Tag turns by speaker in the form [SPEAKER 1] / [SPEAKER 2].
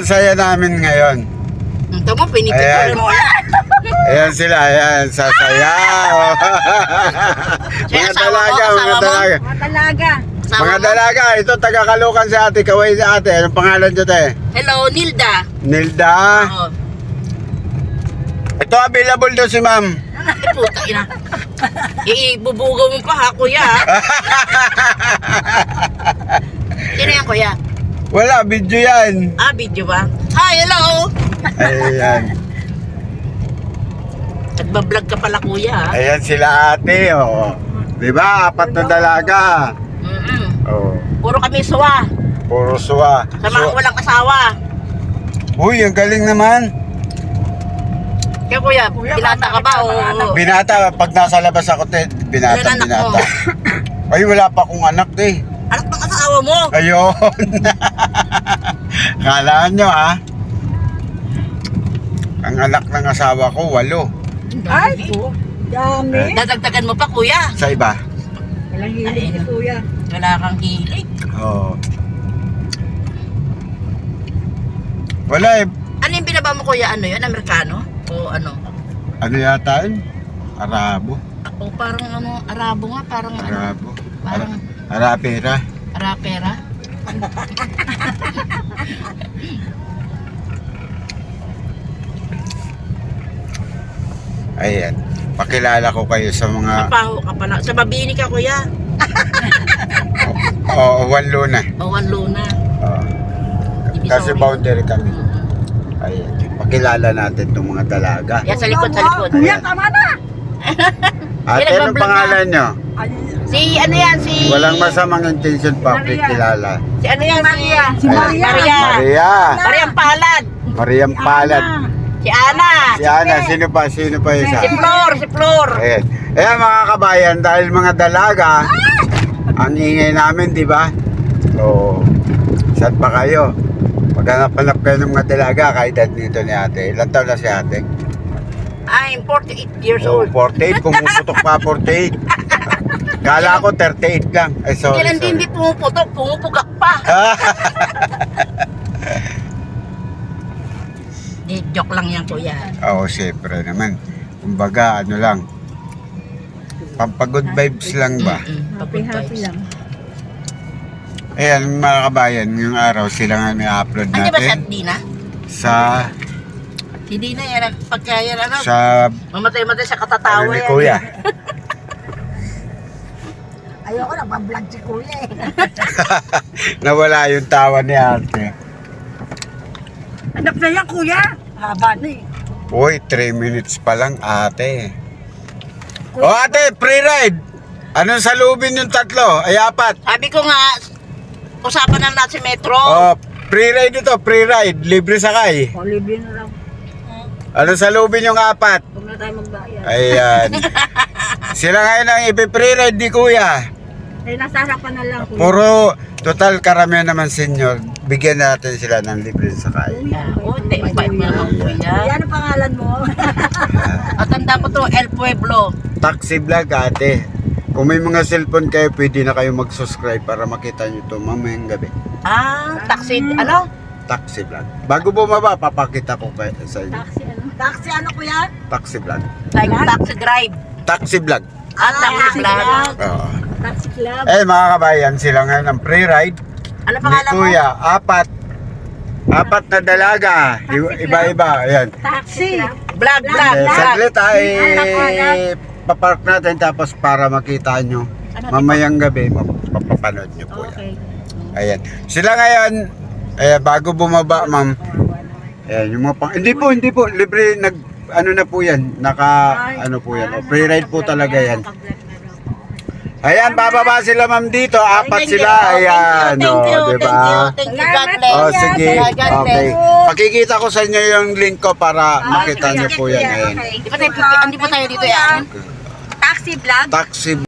[SPEAKER 1] saya namin ngayon.
[SPEAKER 2] Ito mo, pinipicture mo.
[SPEAKER 1] Ayan sila, ayan, sasayaw. Mga dalaga, mga dalaga.
[SPEAKER 3] Mga talaga.
[SPEAKER 1] Mga dalaga, ito taga-Caloocan si ate, kaway si ate. Anong pangalan niyo, te?
[SPEAKER 2] Hello, Nilda.
[SPEAKER 1] Nilda.
[SPEAKER 2] Oh.
[SPEAKER 1] Ito available daw si ma'am.
[SPEAKER 2] Ay, puta ina. Ibubugaw mo pa ha, kuya. Sino yan, kuya?
[SPEAKER 1] Wala, video yan.
[SPEAKER 2] Ah, video ba? Hi, hello.
[SPEAKER 1] Ayan.
[SPEAKER 2] Nagbablog ka pala, kuya. Ha?
[SPEAKER 1] Ayan sila ate, oh. Diba, apat na dalaga. Oh.
[SPEAKER 2] Puro kami suwa.
[SPEAKER 1] Puro suwa.
[SPEAKER 2] Sa mga walang asawa.
[SPEAKER 1] Uy, ang galing naman.
[SPEAKER 2] Kaya kuya, binata ka ba o...
[SPEAKER 1] Binata, pag nasa labas ako, te, binata,
[SPEAKER 2] Ilan anak mo?
[SPEAKER 1] binata. Ay, wala pa akong anak, te.
[SPEAKER 2] Anak ng asawa mo?
[SPEAKER 1] Ayun. Kalaan nyo, ha? Ang anak ng asawa ko, 8.
[SPEAKER 3] Ay, dami.
[SPEAKER 2] Dadagdagan mo pa, kuya.
[SPEAKER 1] Sa iba?
[SPEAKER 3] Walang hilig si kuya.
[SPEAKER 2] Wala kang hilig.
[SPEAKER 1] Oo. Wala eh.
[SPEAKER 2] Ano yung binaba mo, kuya? Ano yun? Amerikano? O ano?
[SPEAKER 1] Ano yata yun? Arabo.
[SPEAKER 2] O parang ano, Arabo nga, parang ano,
[SPEAKER 1] Arabo.
[SPEAKER 2] parang
[SPEAKER 1] Arapera.
[SPEAKER 2] Arapera.
[SPEAKER 1] Ayan. Pakilala ko kayo sa mga...
[SPEAKER 2] Kapaho ka pala. Sa Mabini ka, kuya.
[SPEAKER 1] Oo, Wanluna.
[SPEAKER 2] Bawan Luna.
[SPEAKER 1] Oo.
[SPEAKER 2] Divisoria.
[SPEAKER 1] Kasi boundary kami. Ayan. Pakilala natin itong mga dalaga.
[SPEAKER 2] Yan, sa likod, sa likod.
[SPEAKER 3] Kuya, tama na.
[SPEAKER 1] Ate,
[SPEAKER 2] Yan,
[SPEAKER 1] anong
[SPEAKER 2] nagbablog
[SPEAKER 1] pangalan nyo?
[SPEAKER 3] Ay,
[SPEAKER 2] Si ano yan, si...
[SPEAKER 1] Walang masamang intention pa,
[SPEAKER 3] Maria.
[SPEAKER 1] pakilala.
[SPEAKER 2] Si ano yan,
[SPEAKER 3] Maria. Si
[SPEAKER 1] Ayan.
[SPEAKER 3] Maria.
[SPEAKER 2] Maria.
[SPEAKER 1] Maria.
[SPEAKER 2] Mariang Palad.
[SPEAKER 1] Mariam Palad.
[SPEAKER 2] Si Ana.
[SPEAKER 1] Si Ana, sino pa? Sino pa isa?
[SPEAKER 2] Si Flor, si Flor.
[SPEAKER 1] Ayan. Ayan mga kabayan, dahil mga dalaga, ang ingay namin, di ba? So, saan pa kayo? Maghanap-hanap kayo ng mga dalaga, kaedad nito ni ate. Ilan taon na si ate?
[SPEAKER 2] I'm 48 years
[SPEAKER 1] So,
[SPEAKER 2] old.
[SPEAKER 1] 48, pumuputok pa 48. Kala ko 38 lang. Ay, sorry,
[SPEAKER 2] Kailan din di
[SPEAKER 1] sorry.
[SPEAKER 2] pumuputok, pumupugak pa. Di, joke lang yan, kuya.
[SPEAKER 1] Oo, syempre naman. Kumbaga, ano lang, pampagod vibes lang ba?
[SPEAKER 3] Happy lang.
[SPEAKER 1] Ayan, mga kabayan, ngayong araw sila nga may-upload
[SPEAKER 2] Hindi ba siya
[SPEAKER 1] natin
[SPEAKER 2] Dina?
[SPEAKER 1] sa
[SPEAKER 2] Hindi na yan. Pagka yan, ano,
[SPEAKER 1] sa
[SPEAKER 2] mamatay-matay sa
[SPEAKER 1] ano
[SPEAKER 2] katatawa
[SPEAKER 1] ni
[SPEAKER 2] yan.
[SPEAKER 1] Kuya.
[SPEAKER 3] Ayoko na, pa-vlog si kuya eh.
[SPEAKER 1] Nawala yung tawa ni ate.
[SPEAKER 3] Anak na yan, kuya. Haba na eh.
[SPEAKER 1] Uy, 3 minutes pa lang ate. O ate, pre-ride! Anong salubin yung 3? Ay 4.
[SPEAKER 2] Sabi ko nga, usapan na natin si Metro.
[SPEAKER 1] Oh, pre-ride ito, pre-ride. Libre sakay.
[SPEAKER 3] O, libre na lang.
[SPEAKER 1] Anong salubin yung 4?
[SPEAKER 3] Huwag na tayo magbayad.
[SPEAKER 1] Ayan. Sila ngayon ang ipi-pre-ride ni Kuya.
[SPEAKER 3] Eh, nasa harapan na lang, kuya.
[SPEAKER 1] Puro, total karamihan naman senior. Bigyan natin sila ng libre sakay.
[SPEAKER 2] Oh, bait mo naman, kuya.
[SPEAKER 3] Kuya, ano pangalan mo?
[SPEAKER 2] At tanda mo to, El Pueblo.
[SPEAKER 1] Taxi vlog ate. Kung may mga cellphone kayo, pwede na kayo mag-subscribe para makita nyo ito mamayang gabi.
[SPEAKER 2] Ah, taxi, ano?
[SPEAKER 1] Taxi vlog. Bago bumaba, papakita ko kayo sa inyo.
[SPEAKER 3] Taxi ano? Taxi ano, kuya?
[SPEAKER 1] Taxi vlog.
[SPEAKER 2] Like taxi drive.
[SPEAKER 1] Taxi vlog.
[SPEAKER 2] Ah, taxi vlog.
[SPEAKER 1] Oo.
[SPEAKER 3] Taxi club.
[SPEAKER 1] Eh mga kabayan, sila ngayon ang pre-ride.
[SPEAKER 2] Ano
[SPEAKER 1] Ni
[SPEAKER 2] pangalan mo?
[SPEAKER 1] Kuya, 4 na dalaga. Iba-iba. Ayan.
[SPEAKER 3] Taxi.
[SPEAKER 2] Vlog, vlog,
[SPEAKER 1] Eh,
[SPEAKER 2] vlog.
[SPEAKER 1] saglit ay papark natin tapos para makita nyo. Mamayang gabi, mapapanood nyo po yan.
[SPEAKER 3] Okay.
[SPEAKER 1] Ayan. Sila ngayon, bago bumaba, ma'am. Ayan, yung mga hindi po, libre, ano na po yan, ano po yan, pre-ride po talaga yan. Ayan, bababa sila ma'am dito, 4 sila, ayan,
[SPEAKER 2] Thank you,
[SPEAKER 1] diba?
[SPEAKER 2] thank you, God bless.
[SPEAKER 1] Oh, sige,
[SPEAKER 2] God
[SPEAKER 1] okay.
[SPEAKER 2] bless.
[SPEAKER 1] Pakikita ko sa inyo yung link ko para makita nyo po yan. Ayan.
[SPEAKER 2] Di ba tayo dito yan?
[SPEAKER 3] Taxi vlog.
[SPEAKER 1] Taxi